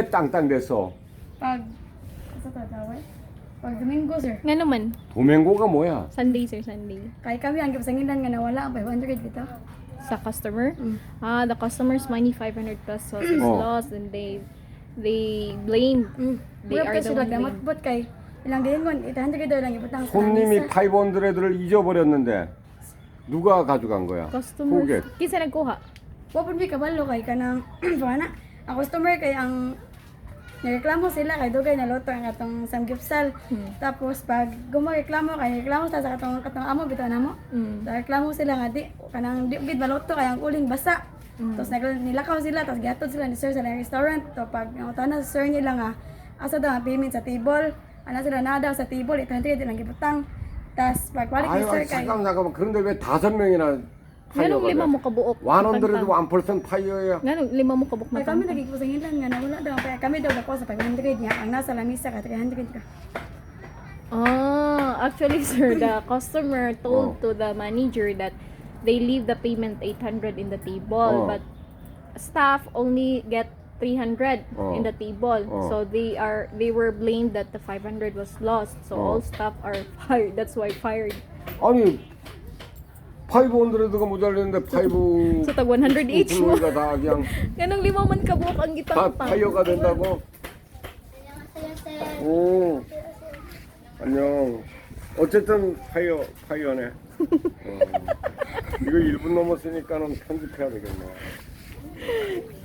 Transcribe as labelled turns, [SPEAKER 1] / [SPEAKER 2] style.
[SPEAKER 1] 땅땅 됐어.
[SPEAKER 2] Pag, sa tatawag? Pag Domingo, sir.
[SPEAKER 3] Nga naman,
[SPEAKER 1] 도맹고가 뭐야?
[SPEAKER 3] Sunday sir, Sunday.
[SPEAKER 2] Kaya kami ang gipasangilan nga nawala ang 500 dito.
[SPEAKER 3] Sa customer?
[SPEAKER 2] Mm.
[SPEAKER 3] The customer's money 500 pesos is
[SPEAKER 1] Oh.
[SPEAKER 3] lost and they blamed. They
[SPEAKER 2] Mura
[SPEAKER 3] are
[SPEAKER 2] pa
[SPEAKER 3] the
[SPEAKER 2] sila
[SPEAKER 3] one
[SPEAKER 2] damot
[SPEAKER 3] blamed.
[SPEAKER 2] bot kay ilang gingon 800 daw lang ibutang sa
[SPEAKER 1] 손님이
[SPEAKER 2] lamisa.
[SPEAKER 1] 500를 잊어버렸는데 누가 가져간 거야?
[SPEAKER 3] Customers.
[SPEAKER 1] 고객.
[SPEAKER 3] Kinsa nagkuha?
[SPEAKER 2] Wa pud mi kabalo kay kanang pana. Ang customer kay ang nireklamo sila kay dugay na loto ang atong samgipsal. Tapos pag gumareklamo kay reklamo sa katong amo bitaw namo. Reklamo sila nga di kanang di gid maloto kay ang uling basa. Tapos nilakaw sila tapos gihatod sila ni sir sa restaurant. To pag ang tanan sa sir nila nga asa daw ang payment sa table. Ana sila na daw sa table 800 lang gibutang. Tapos pagbalik ni sir kay
[SPEAKER 1] 잠깐만. 그런데 왜 5명이나
[SPEAKER 3] Nganong lima mo kabuok?
[SPEAKER 1] 100도 1% 파이어야.
[SPEAKER 3] Nganong lima mo kabuok
[SPEAKER 2] kay kami
[SPEAKER 3] matang?
[SPEAKER 2] nagigpusangilan nga nawala daw kaya kami daw dako sa 500 niya ang nasa lamisa ka 300 ka.
[SPEAKER 3] Actually sir, the customer
[SPEAKER 1] Oh.
[SPEAKER 3] told to the manager that they leave the payment 800 in the table,
[SPEAKER 1] Oh.
[SPEAKER 3] but staff only get 300
[SPEAKER 1] Oh.
[SPEAKER 3] in the table.
[SPEAKER 1] Oh.
[SPEAKER 3] So they were blamed that the 500 was lost. So
[SPEAKER 1] Oh.
[SPEAKER 3] all staff are fired. That's why fired.
[SPEAKER 1] 아니 500가 모자랐는데 5
[SPEAKER 3] So tag 100 each mo.
[SPEAKER 1] 가 다 그냥
[SPEAKER 3] Ganong lima man kabuok ang
[SPEAKER 1] 다
[SPEAKER 3] gitang
[SPEAKER 1] 파이어가 된다고? 오, 안녕. 어쨌든 파이어네. 이거 1분 넘었으니까는 편집해야 되겠네.